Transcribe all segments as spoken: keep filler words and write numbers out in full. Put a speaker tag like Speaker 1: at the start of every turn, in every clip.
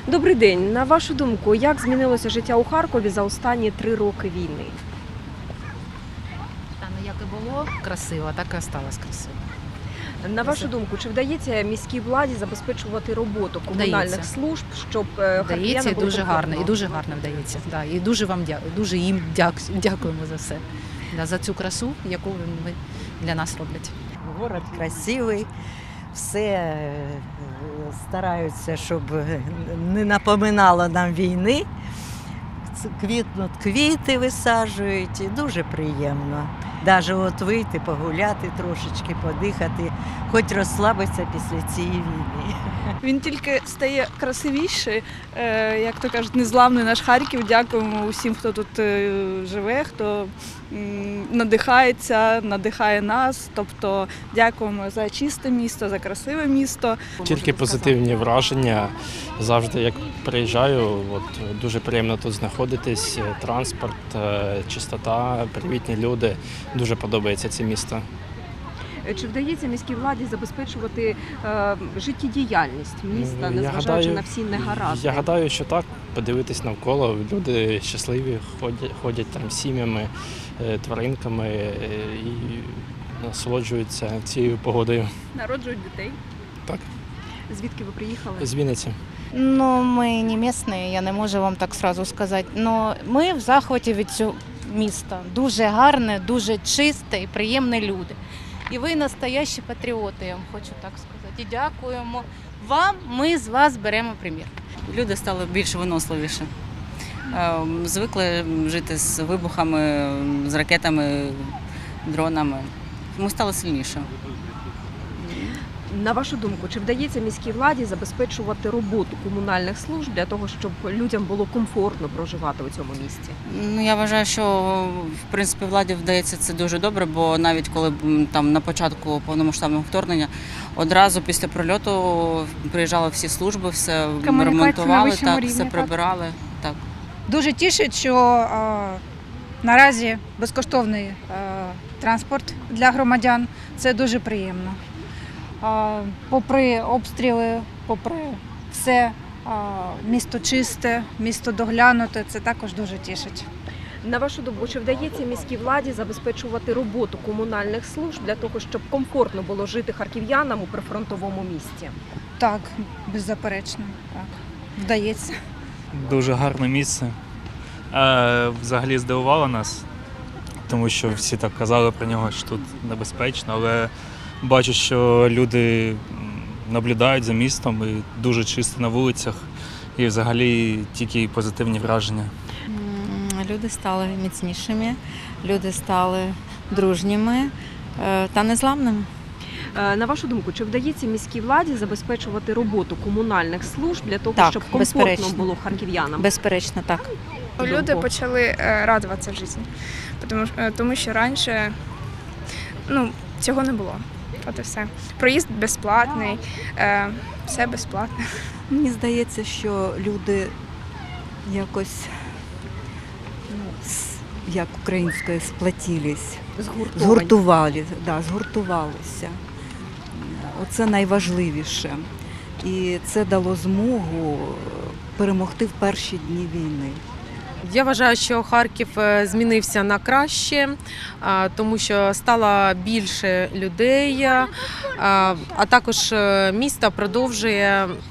Speaker 1: Добрий день. На вашу думку, як змінилося життя у Харкові за останні три роки війни?
Speaker 2: Та ну як і було красиво, так і осталось красиво.
Speaker 1: На вашу думку, чи вдається міській владі забезпечувати роботу комунальних
Speaker 2: Вдається.
Speaker 1: служб, щоб е,
Speaker 2: Вдається
Speaker 1: харків'янам
Speaker 2: і
Speaker 1: було
Speaker 2: дуже
Speaker 1: комфортно?
Speaker 2: гарно, і дуже гарно вдається. Да, і дуже вам дякую, дуже їм дяк- дякуємо за все. Да, за цю красу, яку вони для нас роблять.
Speaker 3: Город красивий, все е, стараються, щоб не напоминало нам війни. Ц- Квітнуть квіти висаджують, і дуже приємно. Навіть от вийти, погуляти трошечки, подихати, хоч розслабитися після цієї війни.
Speaker 4: Він тільки стає красивіший, е, як то кажуть, незламний наш Харків. Дякуємо усім, хто тут е, живе, хто м, надихається, надихає нас. Тобто дякуємо за чисте місто, за красиве місто.
Speaker 5: Тільки позитивні враження. Завжди, як приїжджаю, от, дуже приємно тут знаходитись. Транспорт, е, чистота, привітні люди. Дуже подобається це місто.
Speaker 1: Е, Чи вдається міській владі забезпечувати е, життєдіяльність міста,
Speaker 5: Я
Speaker 1: незважаючи
Speaker 5: гадаю,
Speaker 1: на всі негаразди?
Speaker 5: Я гадаю, що так. Подивитись навколо. Люди щасливі, ходять, ходять там сім'ями, е, тваринками е, і насолоджуються цією погодою.
Speaker 4: Народжують дітей.
Speaker 5: Так,
Speaker 1: Звідки ви приїхали?
Speaker 5: з Вінниці.
Speaker 6: Ну, ми не місцеві, я не можу вам так сразу сказати. Но ми в захваті від цього міста. Дуже гарне, дуже чисте і приємні люди. І ви настоящі патріоти, я вам хочу так сказати. І дякуємо вам, ми з вас беремо примір.
Speaker 7: Люди стали більш виносливіше. Е, Звикли жити з вибухами, з ракетами, дронами. Ми стали сильніше.
Speaker 1: На вашу думку, чи вдається міській владі забезпечувати роботу комунальних служб для того, щоб людям було комфортно проживати у цьому місті?
Speaker 7: Ну, я вважаю, що в принципі владі вдається це дуже добре, бо навіть коли м, там на початку повномасштабного вторгнення одразу після прильоту приїжджали всі служби, все
Speaker 8: на
Speaker 7: ремонтували,
Speaker 8: вищому
Speaker 7: так,
Speaker 8: рівні,
Speaker 7: все
Speaker 8: так.
Speaker 7: прибирали. Так.
Speaker 8: Дуже тішить, що е, наразі безкоштовний е, транспорт для громадян. Це дуже приємно. Е, попри обстріли, попри все, е, місто чисте, місто доглянуте, це також дуже тішить.
Speaker 1: На вашу думку, чи вдається міській владі забезпечувати роботу комунальних служб для того, щоб комфортно було жити харків'янам у прифронтовому місті?
Speaker 8: Так, беззаперечно, так, вдається.
Speaker 9: Дуже гарне місце. Е, Взагалі здивувало нас, тому що всі так казали про нього, що тут небезпечно, але бачу, що люди м, наблюдають за містом і дуже чисто на вулицях, і взагалі тільки позитивні враження.
Speaker 6: М, Люди стали міцнішими, люди стали дружніми е, та незламними.
Speaker 1: Е, На вашу думку, чи вдається міській владі забезпечувати роботу комунальних служб для того,
Speaker 6: Так,
Speaker 1: щоб комфортно
Speaker 6: безперечно.
Speaker 1: було харків'янам?
Speaker 6: Безперечно, так.
Speaker 10: Люди почали е, радуватися житті, тому, е, тому що раніше ну, цього не було. От і все. Проїзд безплатний, е, все безплатне.
Speaker 11: Мені здається, що люди якось, ну, с- як українською, сплатились,
Speaker 1: Згуртовані.
Speaker 11: згуртували, да, згуртувалися. Оце найважливіше. І це дало змогу перемогти в перші дні війни.
Speaker 12: Я вважаю, що Харків е, змінився на краще, а, тому що стало більше людей, а, а також е, місто продовжує м,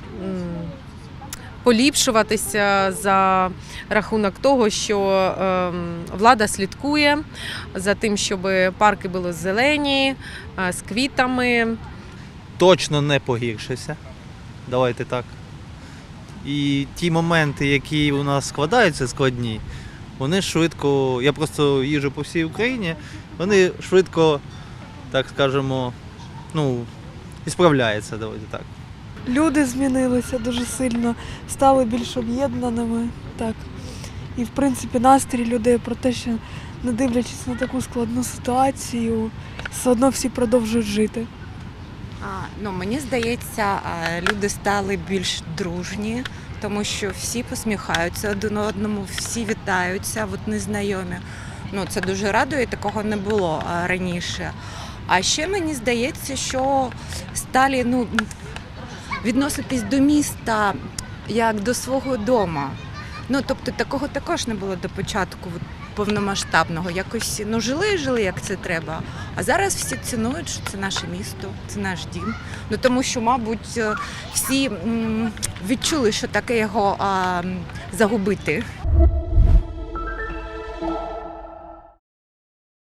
Speaker 12: поліпшуватися за рахунок того, що е, влада слідкує за тим, щоб парки були зелені, е, з квітами.
Speaker 13: Точно не погіршився. Давайте так. І ті моменти, які у нас складаються складні, вони швидко, я просто їжджу по всій Україні, вони швидко, так скажемо, ну, і справляються, давайте так.
Speaker 4: Люди змінилися дуже сильно, стали більш об'єднаними. Так. І в принципі настрій людей про те, що не дивлячись на таку складну ситуацію, все одно всі продовжують жити.
Speaker 14: А, ну, мені здається, люди стали більш дружні, тому що всі посміхаються один одному, всі вітаються, от незнайомі. Ну, це дуже радує, такого не було а, раніше. А ще мені здається, що стали ну, відноситись до міста як до свого дома. Ну, тобто такого також не було до початку от, повномасштабного. Якось ну, жили і жили, як це треба. А зараз всі цінують, що це наше місто, це наш дім. Ну, тому що, мабуть, всі м, відчули, що таке його а, загубити.